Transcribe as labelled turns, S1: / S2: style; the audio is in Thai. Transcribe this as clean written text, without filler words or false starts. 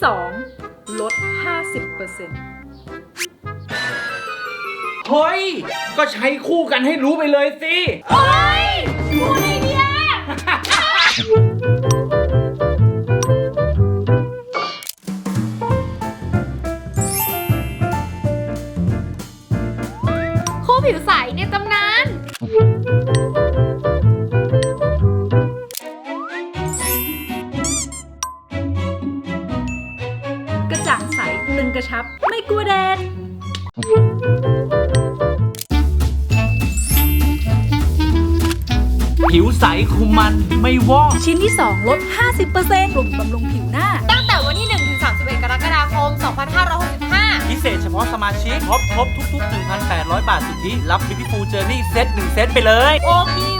S1: 2ลด 50%
S2: เฮ้ย ก็ใช้คู่กันให้รู้ไปเลยสิ
S1: โอ๊ยพูดไอเดีย
S3: คู่ผิวใสในตำนาน
S1: กระจ่างใสตึงกระชับไม่กลัวแดด
S2: ผิวใสคุมมันไม่วอก
S1: ชิ้นที่ 2 ลด 50% กลุ่มบำรุงผิวหน้า
S3: ตั้งแต่วันที่ 1 ถึง 31 กรกฎาคม 2565
S2: พิเศษเฉพาะสมาชิกครบทุก 1,800 บาทสุทธิรับ Beautiful Journey เซต1 เซตไปเลย
S3: โอพี